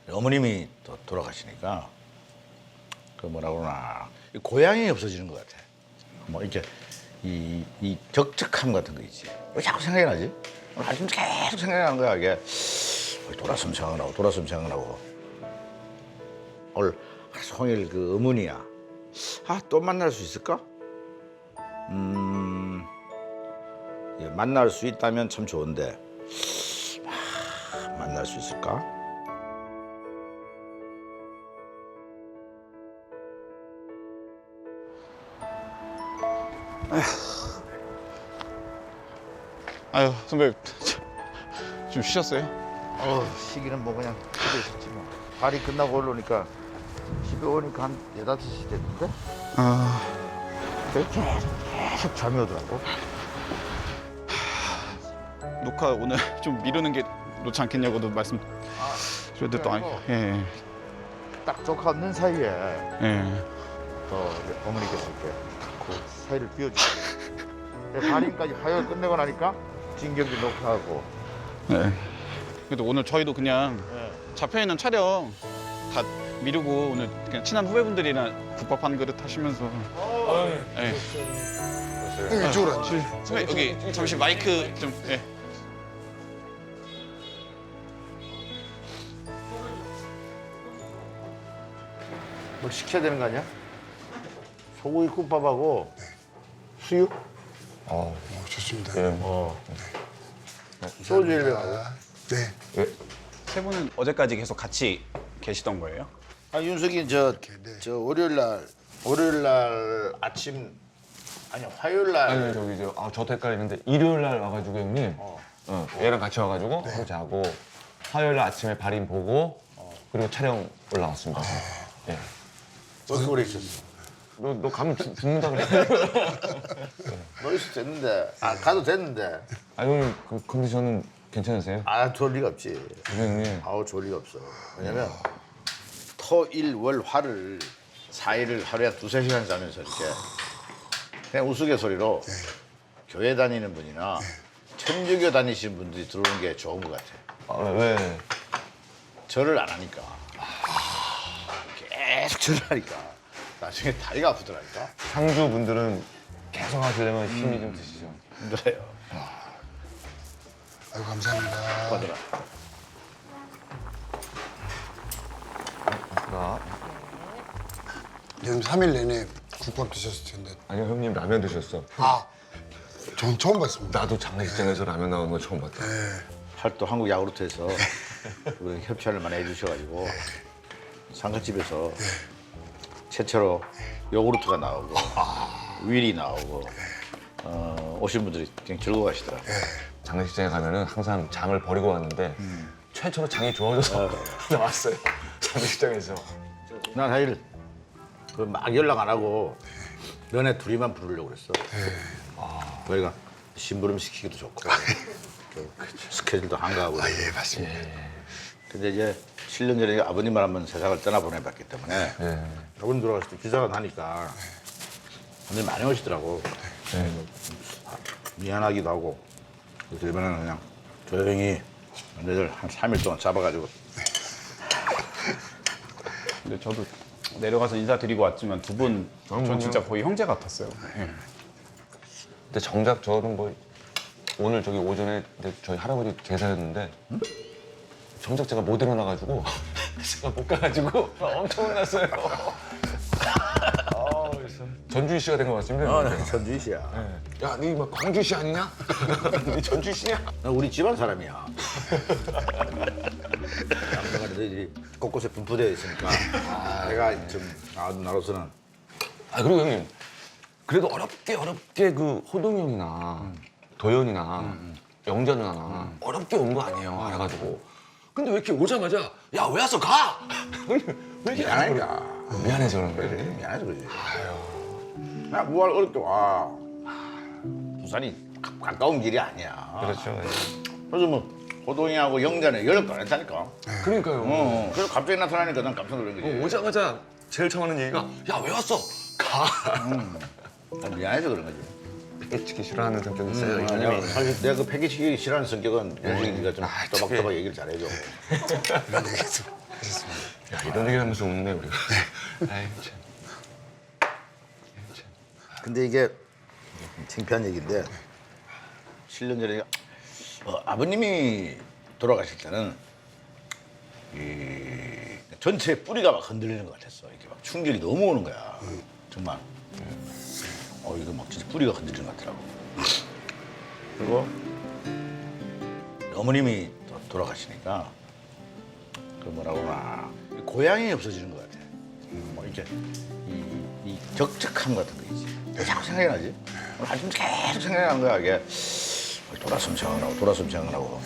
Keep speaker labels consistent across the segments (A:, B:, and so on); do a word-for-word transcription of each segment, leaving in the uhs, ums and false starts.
A: 어머님이 또 돌아가시니까 그 뭐라 그러나 고향이 없어지는 것 같아. 뭐 이렇게 이, 이 적적함 같은 거 있지. 왜 자꾸 생각이 나지? 오늘 아침 계속 생각이 나는 거야 이게. 돌았으면 생각나고 돌았으면 생각나고. 오늘 하루 종일 그 의문이야. 아, 또 만날 수 있을까? 음, 예, 만날 수 있다면 참 좋은데 아, 만날 수 있을까?
B: 아유 선배 좀 쉬셨어요?
A: 어, 시기는 뭐 그냥 집에 있었지 뭐. 발이 끝나고 올라오니까 집에 오니까 한 네다섯 시 됐는데
B: 아
A: 계속, 계속 잠이 오더라고.
B: 녹화 오늘 좀 미루는 게 좋지 않겠냐고도 말씀 드렸는데 또 아니 예,
A: 딱 조카 없는 사이에
B: 예, 예.
A: 또 어머니께서 이렇게 그 사이를 비워주시고 발인까지 화요일 끝내고 나니까 진경기 녹화하고.
B: 네. 그래도 오늘 저희도 그냥
A: 예.
B: 잡혀 있는 촬영 다 미루고 오늘 그냥 친한 후배분들이랑 국밥 한 그릇 하시면서. 예.
C: 형님 이쪽으로 앉으세요.
B: 선배 여기 잠시 마이크 좀. 예.
A: 뭐 시켜야 되는 거 아니야? 소고기 국밥하고 수육?
C: 어, 좋습니다.
A: 어. 소주 일 병하고.
C: 네.
B: 세 분은 어제까지 계속 같이 계시던 거예요?
A: 아, 윤석이 저,
C: 네.
A: 저 월요일 날 월요일 날 아침 아니 화요일 날
D: 아니 저기 저 아, 저도 헷갈리는데 일요일 날 와가지고 형님
A: 어.
D: 어, 얘랑 같이 와가지고 하루 자고 화요일 날 아침에 발인 보고 그리고 촬영 올라왔습니다. 예.
A: 너도 오래 있었어.
D: 너, 너 가면 죽- 죽는다 그래.
A: 너 있어도 됐는데 아 가도 됐는데
D: 아 형님 그 컨디션은 괜찮으세요?
A: 아 좋을 리가 없지.
D: 형님.
A: 아우 좋을 리가 없어. 왜냐면 토일월화를 사 일을 하루에 두세 시간 자면서 이렇게 그냥 우스갯소리로 교회 다니는 분이나 천주교 다니시는 분들이 들어오는 게 좋은 것 같아.
D: 아, 왜?
A: 절을 안 하니까 계속 절을 하니까 나중에 다리가 아프더라니까.
D: 상주 분들은 계속 하시려면 힘이 좀 드시죠.
A: 힘들어요.
C: 아유 감사합니다.
A: 받으라.
D: 아,
C: 요즘 삼 일 내내 국밥 드셨을 텐데.
D: 아니요 형님 라면 드셨어.
C: 아, 전 처음 봤습니다.
D: 나도 장례식장에서 라면 나오는 거 처음 봤다.
A: 팔도 한국 야구르트에서 우리 협찬을 많이 해주셔가지고 상가집에서 최초로 요구르트가 나오고 윌이 나오고 어, 오신 분들이 굉장히 즐거워하시더라고요.
D: 장례식장에 가면은 항상 장을 버리고 왔는데 최초로 장이 좋아져서 나왔어요. 장례식장에서.
A: 난 사실 그 막 연락 안 하고 너네 둘이만 부르려고 그랬어. 아, 저희가 심부름 시키기도 좋고 그 스케줄도 한가하고.
C: 아, 예, 맞습니다.
A: 근데 이제 칠 년 전에 아버님을 한번 세상을 떠나보내봤기 때문에
D: 예.
A: 아버님 돌아가실 때 기사가 나니까 사람들이 많이 오시더라고. 미안하기도 하고. 그래서 이번에는 그냥 조용히 너희들 한 삼 일 동안 잡아가지고
B: 근데 저도 내려가서 인사드리고 왔지만 두 분 전 진짜 거의 형제 같았어요. 예.
D: 근데 정작 저는 뭐 오늘 저기 오전에 이제 저희 할아버지 제사였는데 정작 제가 못 일어나가지고 제가 못 가가지고 엄청 혼났어요. 아, 그래서 전주희 씨가 된 것 같습니다.
A: 어, 나 전주시야.
D: 야, 니 뭐 광주 씨 아니냐? 니 전주 씨냐?
A: 나 우리 집안 사람이야. 양반이 너희들이 곳곳에 분포되어 있으니까 내가 좀 아, 나로서는
D: 아 그리고 형님 그래도 어렵게 어렵게 그 호동이 형이나 도현이나 영자 누나나 어렵게 온 거 아니에요. 해가지고 근데 왜 이렇게 오자마자 야 왜 왔어 가? 형님 왜 이렇게
A: 미안하니까.
D: 미안해서 그런
A: 그래,
D: 거예요.
A: 미안해서 그러지. 나 뭐할 어렵게 와. 부산이 가, 가까운 길이 아니야.
D: 그렇죠.
A: 그래서 뭐 호동이하고 영자는 연락도 안 했다니까.
D: 그러니까요.
A: 어, 그래서 갑자기 나타나니까 난 깜짝 놀란 거지.
D: 어, 오자마자 제일 처음 하는 얘기가 야 왜 왔어 가.
A: 난 미안해서 그런 거지.
D: 패기치기 싫어하는 성격이 있어요.
A: 음,
D: 이
A: 아니야.
D: 형님이.
A: 사실 내가 그 패기치기 싫어하는 성격은 요즘 네가 좀
D: 아,
A: 또박또박
D: 그래.
A: 얘기를 잘해줘.
C: 이런 얘기도 하셨습니다.
D: 야, 이런 얘기 하면서 웃네 우리가. 아이 참.
A: 근데 이게 창피한 얘기인데 칠 년 전에 어, 아버님이 돌아가실 때는 이 전체 뿌리가 막 흔들리는 것 같았어. 이렇게 막 충격이 너무 오는 거야. 정말. 어 이거 막 진짜 뿌리가 흔들리는 것 같더라고. 그리고 어머님이 또 돌아가시니까 그 뭐라 그러나 고향이 없어지는 것 같아. 뭐 이렇게 이, 이 적적함 같은 거 있지. 왜 자꾸 생각이 나지? 오늘 아침 계속 생각이 나는 거야 이게. 돌아서면 생각나고 돌아서면 생각나고.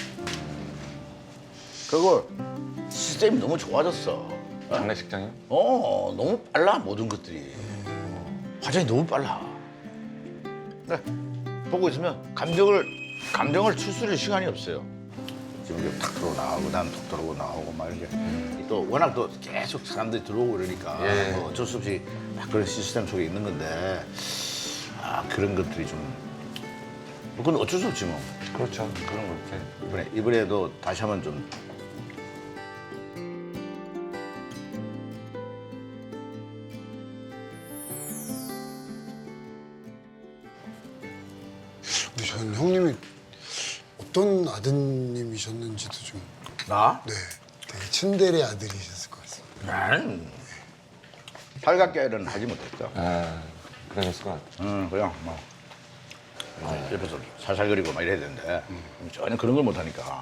A: 그리고 시스템이 너무 좋아졌어.
D: 장례식장이요?
A: 어 너무 빨라 모든 것들이. 화장이 너무 빨라. 그러니까 보고 있으면 감정을 감정을 추스릴 시간이 없어요. 지금 이게 탁 들어오고 나오고 난 툭 들어오고 나오고 막 이렇게 또 워낙 또 계속 사람들이 들어오고 그러니까
D: 예.
A: 뭐 어쩔 수 없이 막 그런 시스템 속에 있는 건데 아 그런 것들이 좀 그건 어쩔 수 없지 뭐.
D: 그렇죠. 그런 거 이렇게.
A: 이번에 이번에도 다시 한번 좀
C: 근데 저는 형님이 어떤 아드님이셨는지도 좀,
A: 나?
C: 네, 되게 츤데레 아들이셨을 것 같습니다.
A: 나는 살갑게는 하지 못했다.
D: 아, 그러셨을 것 같아.
A: 응, 그냥 뭐 어, 옆에서 살살거리고 막 이래야 되는데 전혀 그런 걸 못하니까.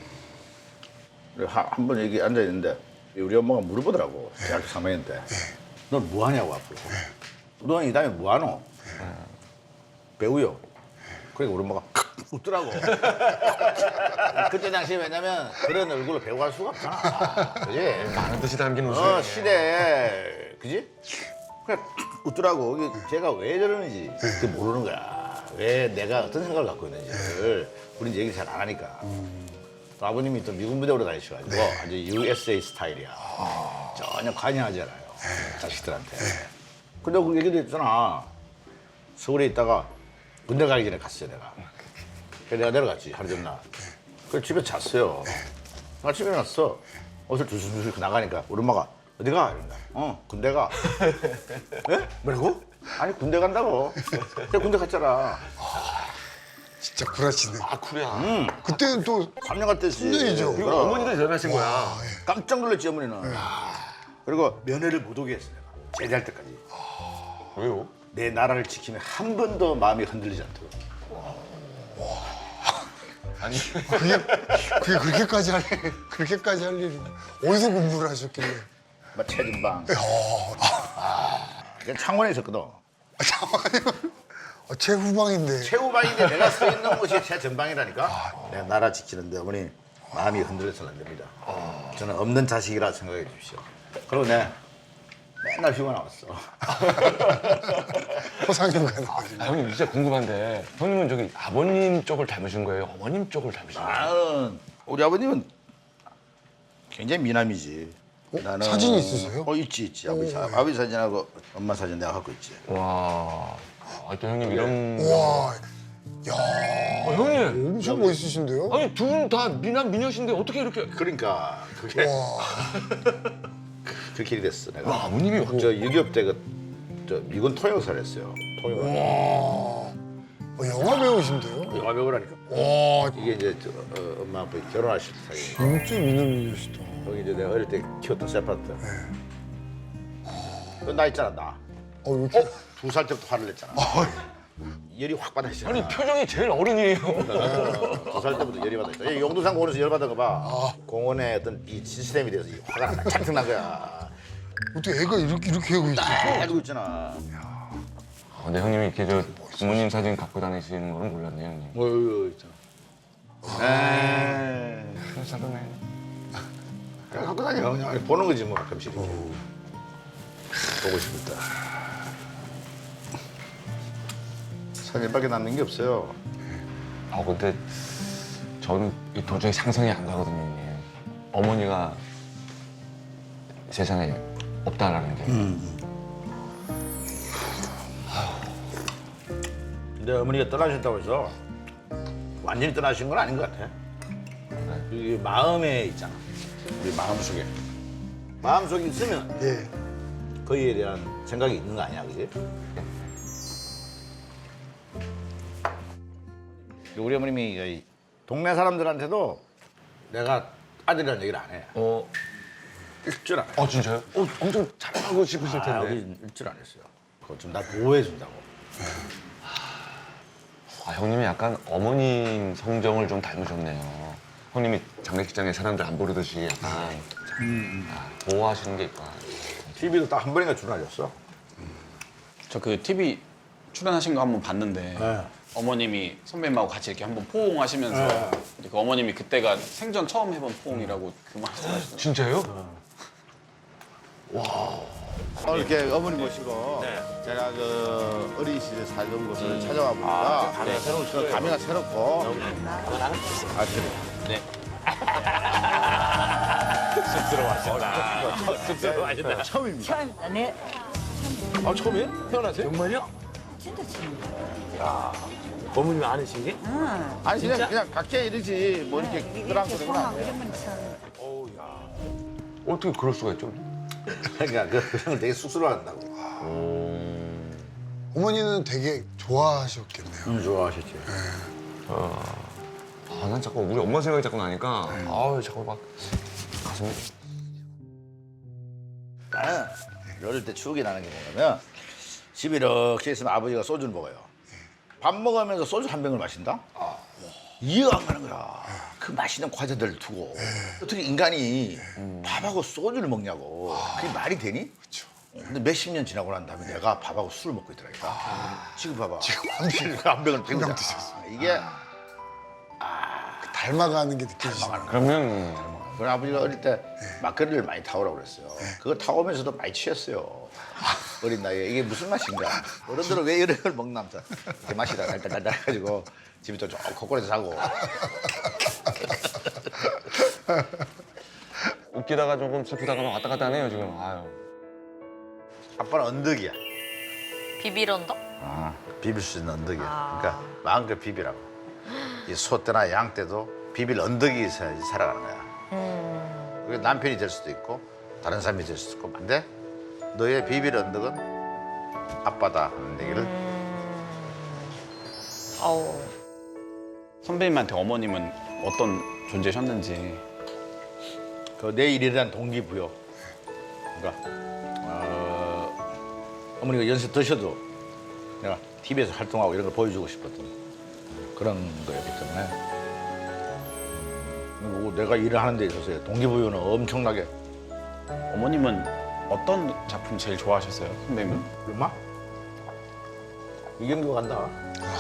A: 한 번 여기 앉아 있는데 우리 엄마가 물어보더라고 대학교 삼 학년 때. 넌 뭐 하냐고 앞으로. 너는 이 다음에 뭐 하노? 배우요. 그러니까 우리 엄마가 웃더라고. 그때 당시에 왜냐면 그런 얼굴로 배우 갈 수가 없잖아. 그지?
D: 많은 뜻이 담긴 웃음.
A: 어, 시대에, 그지? 그냥 웃더라고. 이게 제가 왜 저러는지 그게 모르는 거야. 왜 내가 어떤 생각을 갖고 있는지를 우린 얘기 잘 안 하니까. 또 아버님이 또 미군 부대로 다니셔가지고 아주 유에스에이 스타일이야. 전혀 관여하지 않아요. 자식들한테. 근데 그 얘기도 했잖아. 서울에 있다가 군대 가기 전에 갔어요, 내가. 그래서 내가 내려갔지, 하루 전날. 그래서 집에 잤어요. 아침에 일어났어. 옷을 두슬두슬 나가니까 우리 엄마가 어디 가? 이런다. 어, 군대 가. 예? 뭐라고? 아니, 군대 간다고. 그래, 군대 갔잖아.
C: 진짜 쿨하시네.
D: 아 쿨이야.
A: 응.
C: 그때는 또
A: 삼 년 갔댔지.
C: 군대이죠.
D: 그리고 어머니도 전화하신 거야.
A: 깜짝 놀랐지, 어머니는. 그리고 면회를 못 오게 했어, 내가. 제대할 때까지.
D: 왜요?
A: 내 나라를 지키면 한 번도 마음이 흔들리지 않도록.
D: 아니
C: 그게 그게 그렇게까지 할 그렇게까지 할 일이 어디서 공부를 하셨길래?
A: 막 체진방.
C: 어,
A: 그냥 창원에 있었거든.
C: 어, 최후방인데.
A: 최후방인데 내가 서 있는 곳이 최전방이라니까. 내 나라 지키는데 어머니 마음이 흔들려서는 안 됩니다. 저는 없는 자식이라 생각해 주십시오. 그리고 내 맨날 휴가 나왔어.
C: 호상휴가
D: 아, 형님 진짜 궁금한데 형님은 저기 아버님 쪽을 닮으신 거예요? 어머님 쪽을 닮으신 거예요?
A: 나는 우리 아버님은 굉장히 미남이지.
C: 어? 사진이 있으세요?
A: 어 있지 있지. 아버지, 사- 아버지 사진하고 엄마 사진 내가 갖고 있지.
D: 와, 아, 또 형님 이런.
C: 와, 야,
D: 어, 형님.
C: 엄청 멋있으신데요?
D: 아니 두 분 다 미남 미녀신데 어떻게 이렇게?
A: 그러니까 그게
C: 와,
A: 그 길이 됐어 내가.
D: 와, 아버님이 와.
A: 저 육이업 때 그 저 미군 통역사를 했어요. 통역.
C: 어, 영화 배우신데요?
A: 영화 배우라니까.
C: 와,
A: 이게 이제 저, 어, 엄마 아빠 결혼하실 때 사이.
C: 진짜 미남이시다.
A: 여기 이제 내가 어릴 때 키웠던 세파트. 너 나 있잖아 나.
C: 어, 왜 이렇게?
A: 두 살 때부터 화를 냈잖아. 열이 확 받아있잖아.
D: 아니 표정이 제일 어른이에요.
A: 두 살 때부터 열이 받아있어. 이 용두산 공원에서 열 받은 거 봐. 공원에 어떤 이 시스템에 대해서 이 화가 나- 잔뜩 난 거야.
C: 어떻게 애가 이렇게 이렇게 하고 있어?
A: 알고 있잖아.
D: 아, 근데 형님이 이렇게 저 부모님 사진 갖고 다니시는 거는 몰랐네요, 형님.
A: 뭐 이거 있잖아. 에이.
D: 사람네.
A: 그냥 갖고 다녀. 그냥 보는 거지 뭐 가끔씩. 이렇게. 보고 싶을 때. 사진밖에 남는 게 없어요.
D: 아 근데 저는 이 도저히 상상이 안 가거든요, 형님. 어머니가 세상에 없다라는 게.
A: 근데 어머니가 떠나셨다고 해서 완전히 떠나신 건 아닌 것 같아. 이게 마음에 있잖아. 우리 마음속에. 마음속에 있으면
C: 예.
A: 거기에 대한 생각이 있는 거 아니야, 그지? 우리 어머님이 이 동네 사람들한테도 내가 아들이라는 얘기를 안 해.
D: 어,
A: 일줄 안 해.
D: 어 진짜요? 어, 엄청 잘하고 싶으실
A: 아,
D: 텐데.
A: 여기 일줄 안 했어요. 그거 좀 나 보호해 준다고.
D: 아, 형님이 약간 어머님 성정을 좀 닮으셨네요. 형님이 장례식장에 사람들 안 부르듯이 약간 아, 보호하시는 게 있구나.
A: 티비도 딱 한 번인가 출연하셨어.
B: 저 그 티비 출연하신 거 한번 봤는데
A: 네.
B: 어머님이 선배님하고 같이 이렇게 한번 포옹하시면서
A: 네.
B: 그 어머님이 그때가 생전 처음 해본 포옹이라고 그 말씀하시더라고요.
D: 진짜요?
E: 오늘 이렇게 어머니 모시고 제가 그 어린 시절 살던 곳을 찾아와 보니까 감회가 새로운 그 감회가 새롭고 아 그래. 네. 쑥스러워하신다. 처음입니다.
F: 처음이다. 네.
E: 아 처음이에요? 태어나세요? 정말요?
F: 진짜 처음이다.
E: 어머님이 아니신 게?
F: 응.
E: 아니 그냥 그냥 각자 이러지 뭐 이렇게 그런
F: 이렇게
E: 소리는 안
F: 포함하고
E: 해요.
F: 이런 건 처음.
D: 어떻게 그럴 수가 있죠?
A: 그러니까 그- 그런 걸 되게 쑥스러워한다고.
C: 어머니는 되게 좋아하셨겠네요.
A: 음, 좋아하셨지.
D: 아, 난 자꾸 우리 엄마 생각이 자꾸 나니까 아우 자꾸 막 가슴이
A: 나는 어릴 때 추억이 나는 게 뭐냐면 집에 이렇게 있으면 아버지가 소주를 먹어요. 밥 먹으면서 소주 한 병을 마신다? 이해가 안 가는 거야. 그 맛있는 과자들 두고 어떻게 인간이 밥하고 소주를 먹냐고. 그게 말이 되니?
C: 그렇죠.
A: 근데 몇십 년 지나고 난 다음에 내가 밥하고 술을 먹고 있더라니까. 지금 봐봐.
C: 지금 한 병.
A: 한 병을
C: 한 병
A: 배우자.
C: 드셨어.
A: 이게
C: 닮아가는 게 느껴지시네요.
D: 그러면
A: 그런 아버지가 어릴 때 막걸리를 많이 타오라고 그랬어요. 그거 타오면서도 많이 취했어요. 어린 나이에 이게 무슨 맛인가? 어른들은 왜 이런 걸 먹나 하면서 그 맛이다 달달달달 해가지고 집에 또 좀 코골에서 자고.
D: 웃기다가 조금 슬프다가 막 왔다 갔다 하네요 지금. 아유.
A: 아빠는 언덕이야.
F: 비비런다?
A: 아, 비빌 수 있는 언덕이야.
F: 아.
A: 그러니까 마음껏 비비라고. 이 소 때나 양 때도 비빌 언덕이 있어야지 살아가는 거야.
F: 음.
A: 그게 남편이 될 수도 있고 다른 사람이 될 수도 있고. 근데 너의 비빌 언덕은 아빠다 하는 얘기를
F: 어우.
B: 선배님한테 어머님은 어떤 존재셨는지.
A: 그 내 일에 대한 동기부여. 그러니까 어, 어머니가 연세 드셔도 내가 티비에서 활동하고 이런 걸 보여주고 싶었던 그런 거였기 때문에 뭐 내가 일을 하는 데 있어서 동기부여는 엄청나게.
B: 어머님은 어떤 작품 제일 좋아하셨어요, 선배님은?
A: 얼마? 이경규 간다.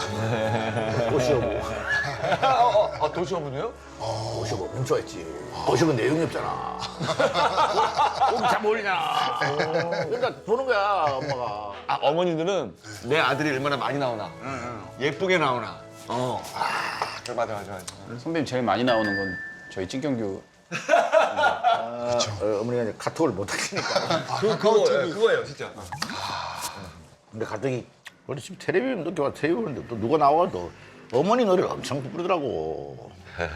A: 꽃이오고.
D: 아 도시어머니요?
A: 꽃이오고 엄청 좋아했지. 꽃이오고 내용이 없잖아. 꽃이 잘 어울리잖아. 그러니까 보는 거야 엄마가.
D: 아 어머니들은 내 아들이 얼마나 많이 나오나 예쁘게 나오나. 어. 아 그래 맞아 맞아 맞아.
B: 선배님 제일 많이 나오는 건 저희 찐경규.
A: 아, 어, 어머니가 이제 카톡을 못 하시니까.
D: 그 그거 예, 그거예요 진짜.
A: 근데 갑자기 우리 집 텔레비전 늦게 와 텔레비전인데 또 누가 나와도 어머니 노래를 엄청 부르더라고.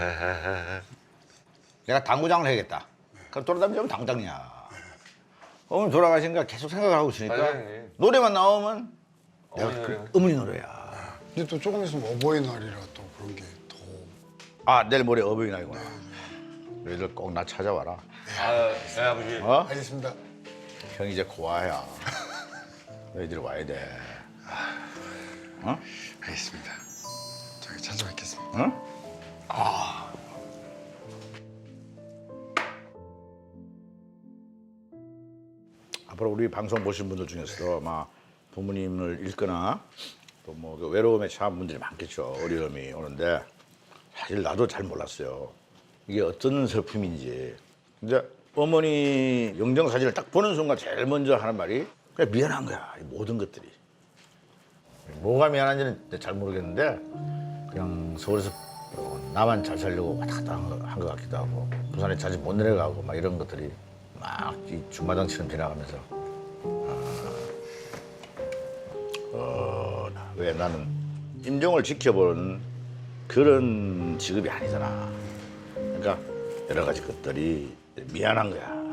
A: 내가 당구장을 해야겠다. 그럼 돌아다니면 당구장이야. 어머니 돌아가시니까 계속 생각을 하고 있으니까
D: 맞아요, 형님.
A: 노래만 나오면 내가
D: 어머니
A: 그
D: 노래요?
A: 어머니 노래야.
C: 근데 또 조금 있으면 어버이날이라 또 그런 게 더.
A: 아 내일 모레 어버이날이구나. 너희들 꼭 나 찾아와라.
D: 아 네, 아버지.
A: 어?
C: 알겠습니다.
A: 형 이제 고아야. 너희들 와야 돼. 어?
C: 알겠습니다. 저기 찾아뵙겠습니다.
A: 응? 앞으로 우리 방송 보신 분들 중에서 아마 부모님을 잃거나 또 뭐 외로움에 처한 분들이 많겠죠. 어려움이 오는데 사실 나도 잘 몰랐어요. 이게 어떤 슬픔인지. 근데 어머니 영정 사진을 딱 보는 순간 제일 먼저 하는 말이 그냥 미안한 거야. 이 모든 것들이. 뭐가 미안한지는 잘 모르겠는데 그냥 서울에서 나만 잘 살려고 왔다 갔다 한 것 같기도 하고 부산에 자주 못 내려가고 막 이런 것들이 막 이 중마장처럼 지나가면서 어, 어, 왜 나는 임종을 지켜보는 그런 직업이 아니잖아. 그러니까 여러 가지 것들이 미안한 거야.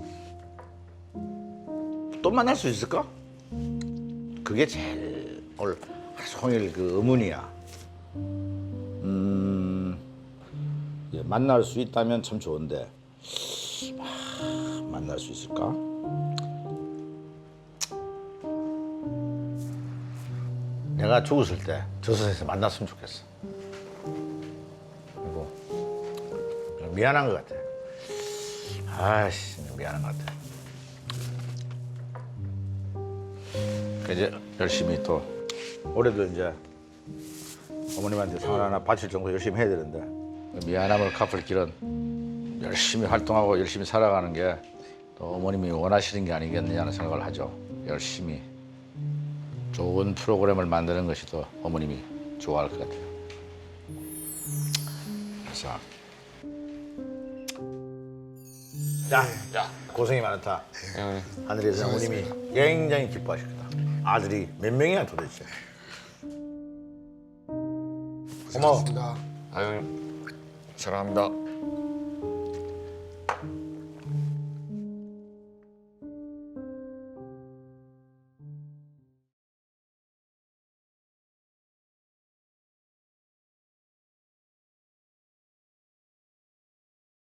A: 또 만날 수 있을까? 그게 제일 오늘 하루 종일 그 의문이야. 음, 예, 만날 수 있다면 참 좋은데 아, 만날 수 있을까? 내가 죽었을 때 저승에서 만났으면 좋겠어. 그리고 미안한 것 같아. 아이씨, 미안한 것 같아. 그 이제 열심히 또 올해도 이제 어머님한테 상을 하나 바칠 정도 열심히 해야 되는데 미안함을 갚을 길은 열심히 활동하고 열심히 살아가는 게 또 어머님이 원하시는 게 아니겠느냐는 생각을 하죠. 열심히 좋은 프로그램을 만드는 것이 더 어머님이 좋아할 것 같아요. 그래서 자, 자 고생이 많다.
D: 예.
A: 하늘에서 어머님이 굉장히 기뻐하실 거다. 아들이 몇 명이야 도대체? 고마워.
C: 고맙습니다.
D: 아유, 사랑합니다.